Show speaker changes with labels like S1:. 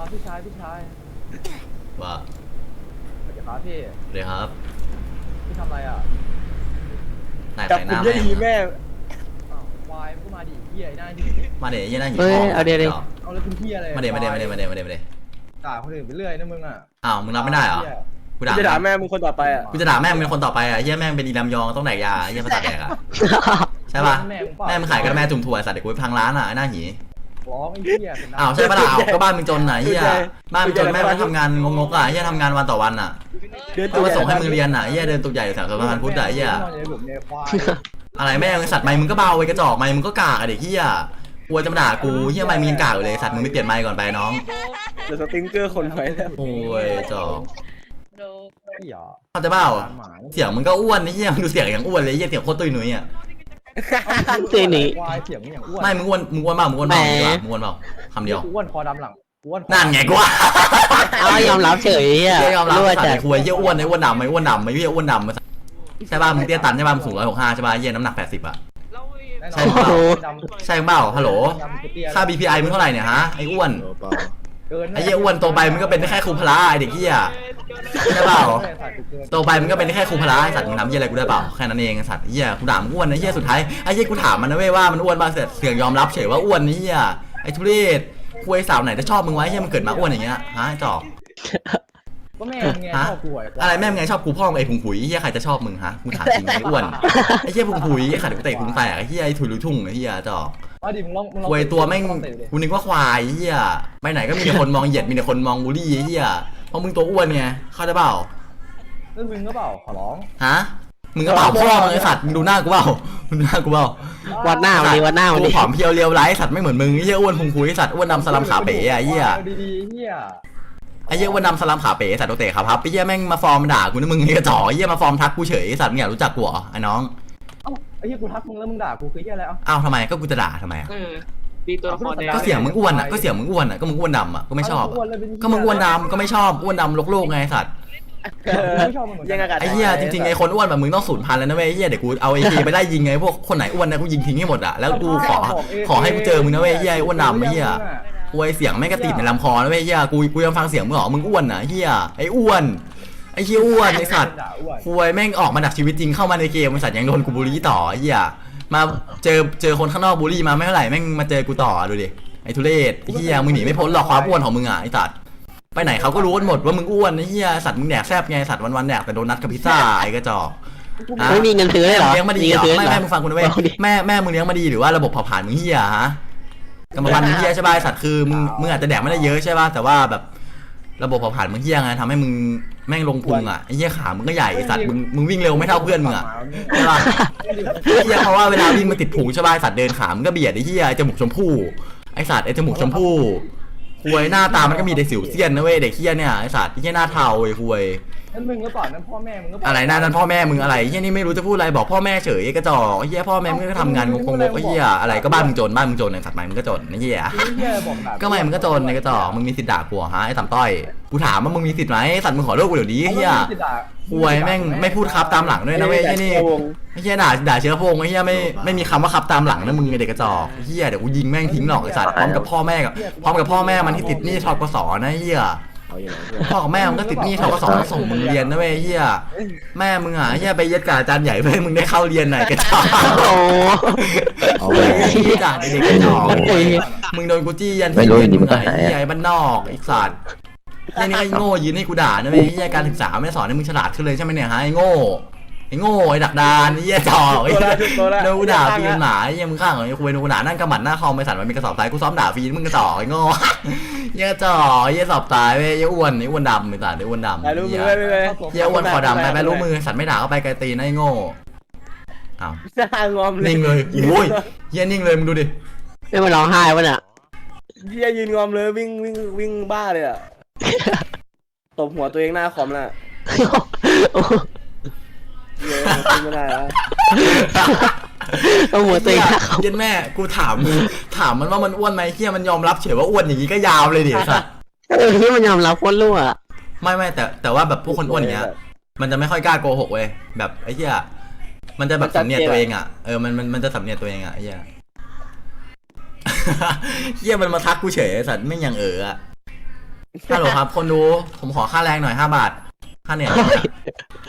S1: พี่ชาย
S2: ว่า
S1: สวัสดีครับพี่
S2: เลยครับ
S1: พี่ทำอะไรอ่ะ
S2: นาย
S3: จับ
S2: ใส่ห
S3: ผม
S2: น้า
S3: ได้ดีแม่
S1: อ้าววายมันก็มาดิเฮียไอ้หน้าดิ
S2: มาเดี๋ยวยี่หน้าหิน
S4: เฮ้ย
S2: ทอง
S4: เอาเดี๋ยว
S1: เอาแล้วเป็นเฮียอะไร
S2: มาเดี๋ยวมาเดี๋ยวมาเดี๋ยวมาเดี๋ยวมาเดี๋ยวมาเดี๋ยว
S1: ด่าคนอื่นไปเรื่อยนะมึงอ่ะ
S2: อ้าวมึงรับไม่ได้เหรอกู
S3: จะด่า
S2: ด่า
S3: แม่มึงคนต่อไปอ่ะ
S2: กูจะด่าแม่มึงเป็นคนต่อไปอ่ะเฮียแม่งเป็นอีลำยองต้องแดกยาเฮียภาษาแดกอ่ะใช่ป่ะแม่มึงขายกระแม่จุ่มถั่วสัตว์เด็กกูไปพังร้านอ่ะไอ้หน้าหี
S1: ร้องไอ้เฮียเป็นน้ำ
S2: อ้าวใช่ป่ะล่ะอ้าวก็บ้านมึงจนไหนเฮียบ้านมึงจนแม่มึงทำงานงกๆอ่ะเฮียทำงานวันต่อวันอ่ะ
S3: เดิน
S2: ก็มาส่งให้มึงเรียนอ่ะเฮียเดินตุกใหญ่แถวสะพานพุทธอ่ะเฮีย
S1: นอนอยู่ในหลุมในควาย
S2: อะไรแม่มึงสัตว์ไม้มึงก็เบาไว้กระจอกไม้มึงก็กากอะเด็กเฮียกลัวจะมาด่ากูเฮียไม้มีนกากอยู่เลยสัตว์มึงไม่เปลี่ยนไม้ก่อนไปน้อง
S3: เดี๋ยวสติงเกอร์คนไว้แล้ว
S2: โอ้ยจอก
S1: พี่หรอ
S2: เข้าใจเปล่า
S1: หมา
S2: เสียงมึงก็อ้วนนี่เฮียมึงดูเสียงอย่างอ้วนเลยเฮียเสียงโคตรตุ้ยหนุ่ยอ่ะ
S4: ตีหนี
S1: ควายเสียงอย่างอ้วน
S2: ไม่มึงอ้วนมึงอ้วนเปล่ามึงอ้วนเปล่า
S4: แหม
S2: ดีกว่ามึงอ้วนเปล่าคำเดียว
S1: อ้วนคอดำหลังอ้วน
S2: นั่นไงกูว่า
S4: เอายอมรับเฉยอ่ะ
S2: เฮียยอมรับ
S4: รั่ว
S2: สัตว์
S4: จัด
S2: ไอ้คุยเฮียอ้วนไอ้อ้วนดำไอ้อ้วนดำไอ้เฮียอ้วนดำใช่ป่ะมึงเตี้ยตันใช่ป่ะมึงสูง165ใช่ป่ะเฮียน้ำหนัก80อ่ะ ใช่
S1: แน่นอน
S2: เปล่า
S1: ดำ
S2: ใช่เปล่าฮัลโหล
S1: ดำคือเตี้ย
S2: ค่า BPI มึงเท่าไหร่เนี่ยฮะไอ้อ้วน
S1: เกิน
S2: ไอ้เฮียอ้วนโตไปมึงก็เป็นได้แค่ครูพละไอ้เด็กเฮียใช่เปล่า โตไปมันก็เป็นแค่ครูพละไอ้สัตว์มึงทำเหี้ยอะไรกูได้เปล่าแค่นั้นเองไอ้สัตว์เหี้ยกูด่ามึงอ้วนนะเหี้ยสุดท้ายไอ้เหี้ยกูถามมันนะเว้ยว่ามันอ้วนป่ะเสร็จเสียงยอมรับเฉยว่าอ้วนนี่เหี้ยไอ้ทุเรศคุยสาวไหนจะชอบมึงไว้เหี้ยมันเกิดมาอ้วนอย่างเงี้ยฮะไอ้จอก
S1: ก็แม่ไงชอบกู
S2: อะไรแม่มึงไงชอบกูพ่อมึงไอ้พุงผุยเหี้ยใครจะชอบมึงฮะมึงถามจริงไอ้อ้วนไอ้เหี้ยพุงผุยไอ้ขัดกูเตะพุงแตกไอ้เหี้ยไอ้ถุยลุยทุ่งไอ้เหี้ยจอก
S1: ว่าดิมึงลอง
S2: คุยตัวแม่งกูนึกว่าควายเหี้ยไปไหนก็มีแต่คนมองเหยียดมีแต่คนมองบูลลี่ไอ้เหี้ยเพราะมึงตัวอ้วนไงเข้าใจเปล่า
S1: นั่นมึงก็เปล่าขอร้อง
S2: ฮะ มึงก็เปล่าพ่อมึงไอสัตว์ มึงดูหน้ากูเปล่ามึงดูหน้ากูเปล่า
S4: วัดหน้ามันดิวัดหน้ามัน
S2: กู
S4: ดิ
S2: ผอมเพรียวเรียวไร้สัตว์ไม่เหมือนมึงไอ้เหี้ยอ้วนพุงคุยไอ้สัตว์อ้วนดำสลัมขาเป๋อะไอ้เหี้ย
S1: ดีๆเฮีย
S2: ไอ้เหี้ยอ้วนดำสลัมขาเป๋สัตว์โตเตะขาพับไอ้เหี้ยแม่งมาฟอร์มด่ากูนะมึงไอ้กระจอกไอ้เหี้ยมาฟอร์มทักกูเฉยไอ้สัตว์มึงอยากรู้จักกูเหรอไอ้น้อง
S1: เอ้าไอ้เฮียกูทักมึงแล้วมึงด่ากูคือเฮียอะไรเอ้า
S2: อ้าวทำไมก็กูจะด่าทำไมอะ
S5: ดีตัวละครแดง
S2: ก็เสียงมึงอ้วนอะก็เสียงมึงอ้วนอะก็มึงอ้วนดำอะก็ไม่ชอบอะก็มึงอ้วนดำก็ไม่ชอบอ้วนดำโลกๆไงไอ้สัตว์
S1: ไม่ชอบมึงเหมือน
S3: ยัง
S1: กั
S3: อาน กาศ
S2: ไอ้เหี้ยจริงๆไอ้คนอ้วนแบบมึงต้องสูญพันธุ์แล้วนะเว้ยไอ้เหี้ยเดี๋ยวกูเอาไอ้ทีไปไล่ยิงไงพวกคนไหนอ้วนนะกูยิงทิ้งให้หมดอะแล้วกูขอให้กูเจอมึงนะเว้ยไอ้เหี้ยไอ้อ้วนดำไอ้เหี้ย กูไอเสียงไม่งกระติดในลำคอนะเว้ยเฮียกูยังฟังเสียงมึงหรอมึงอ้วนอ่ะเฮียไออ้วนไอเฮียอ้วนไอสัตว์คุยแม่งออกมาดักชีวิตจริงเข้ามาในเกมไอสัตว์ยังโดนกูบูลลี่ต่อเฮียมาเจอคนข้างนอกบูลลี่มาไม่เท่าไหร่แม่งมาเจอกูต่อดูดิไอทุเรศไอเฮียมึงหนีไม่พ้นหรอกความอ้วนของมึงอ่ะไอสัตว์ไปไหนเขาก็รู้กันหมดว่ามึงอ้วนไอเฮียสัตว์มึงแดกแซบไงสัตว์วันๆแดกแต่โดนัทกับพิซซ่าไอกระจอก
S4: ไม่มีเงินซื้อเลยเหรอ
S2: เลี้ยงมาดี
S4: มี
S2: เหร
S4: เงิน
S2: อ
S4: ซื้อ
S2: ไม่
S4: เหรอ
S2: แม่มึงฟังกูนะเว้ยแม่มึงเลี้ยงมาดีหรือว่าระบบเผาผลาญมึงเฮียฮะกรรมพันธุ์มึงเฮียใช่ป่ะไอ้สัตว์คือมึงอาจจะแดกไม่ได้เยอะใช่ป่ะแต่ว่าแบบระบบเผาผลาญมึงเฮียไงทำให้มึงแม่งลงพุงอ่ะไอ้เฮียขามึงก็ใหญ่ไอ้สัตว์มึงวิ่งเร็วไม่เท่าเพื่อนมึงอ่ะใช่ป่ะไอ้เฮียเพราะว่าเวลาวิ่งมันติดพุงใช่ป่ะไอ้สัตว์เดินขามึงก็เบียดไอ้เฮียไอ้จมูกชมพู่ไอ้สัตว์ไอ้จมูกชมพู่คุยหน้าตามันก็มีแต่สิวเซียนนะเว้ยเด็กเฮียเนี่ยไอ้สัตว์ไอ้เฮียหน้าเทาไอ้คุย
S1: นั่นมึงก็เปล่านั่นพ่อแม่มึงก็
S2: อะไรนั่นพ่อแม่มึงอะไรเฮียนี่ไม่รู้จะพูดอะไรบอกพ่อแม่เฉยไอ้กระจอกไอ้เฮียพ่อแม่มึงก็ทำงานงงๆไอ้เฮียอะไรก็บ้านมึงจนไอ้สัตว์ใหม่มึงก็จนไอ้เฮีย
S1: เฮียบอกด่า
S2: ก็ไม่มึงก็จนไอ้กระจอกมึงมีสิทธิ์ด่ากูฮะไอ้ต่ำต้อยกูถามว่ามึงมีสิทธิ์ไหมไอ้สัตว์มึงขอเลิกกูเดี๋ยวนี้เฮียคุยแม่งไม่พูดครับตามหลังด้วยนะเว้ยไอ้นี่ไอ้เฮียด่าเชื้อพงไอ้เฮียไม่มีคำว่าครับตามหลังนะมึงไอ้เด็กกระจอกเฮียเดี๋ยวกูยิงแม่งทิ้งหรอกไอ้สัตว์พร้อมกับพ่อแม่มันที่ติดหนี้ทกสนะเฮีย
S3: เอาอย่างไร
S2: พ่อกับแม่มึงก็ติดหนี้ทกสต้องส่งมึงเรียนนะเว้ยเฮียแม่มึงอ่ะเฮียไปเย็ดกับอาจารย์ใหญ่เพื่อให้มึงได้เข้าเรียนหน่อยกระจอก
S4: โอ้
S3: เอา
S2: เฮ้
S3: ไว้
S2: ยด่าเด็กกระจอกมึงโดนกูจี้ยัน
S6: ไม่รู้อยู่ดีมันก็หาย
S2: เฮียไอ้บ้านนอกไอ้สัตว์เฮียนี่ไอ้โง่ยืนให้กูด่านะเว้ยเฮียการศึกษาไม่ได้สอนให้มึงฉลาดขึ้นเลยใช่ไหมเนี่ยฮะไอ้โง่ไอ้ดักดานเฮียจอกไอ้โดนกูด่าฟรีหมาเฮียมึงข้างของไอ้คุยโดนกูด่านั่งกำหมัดหน้าคอมไอ้สัตว์มันมีกระสอบทรายกูซ้อมด่าฟรีมึงกระจอกไอ้โง่เฮียจอกเฮียสอบตายเว้ยเฮียอ้วนดำไอ้สัตว์ไอ้อ้วนดำ
S3: ถ่ายรูปมือไป
S2: เฮียอ้วนคอดำไปรู้มือสัตว์ไม่ด่าก็ไปไกลตีนไอ้โง่อ้าว
S3: หน้างอมเลย
S2: นิ่งเลยโอ้ยเฮียนิ่งเลยมึงดูดิ
S4: ไม่มาร้องไห้วะเนี่ย
S3: เฮียยืนงอมเลยวิ่งบ้าเลยอ่ะตบหัวตัวเองหน้าคอมน่ะเฮียไม่ได้แล้ว
S4: เอาหัวตัวเองนะครับ
S2: เย็นแม่กูถามมันว่ามันอ้วนไหมเฮียมันยอมรับเฉยว่าอ้วนอย่างนี้ก็ยาวเลยดิสัตว์
S4: ที่มันยอมรับโคตรรั่ว
S2: ไม่แต่ว่าแบบพวกคนอ้วนอย่างเงี้ยมันจะไม่ค่อยกล้าโกหกเว้ยแบบไอ้เหี้ยมันจะแบบสำเนียกตัวเองอ่ะมันจะสำเนียกตัวเองอ่ะไอ้เหี้ย เหี้ยมันมาทักกูเฉยไอ้สัตว์ไม่อย่างอ่ะฮัลโหลครับ คนดูผมขอค่าแรงหน่อย5 บาทค่าเหนื่อย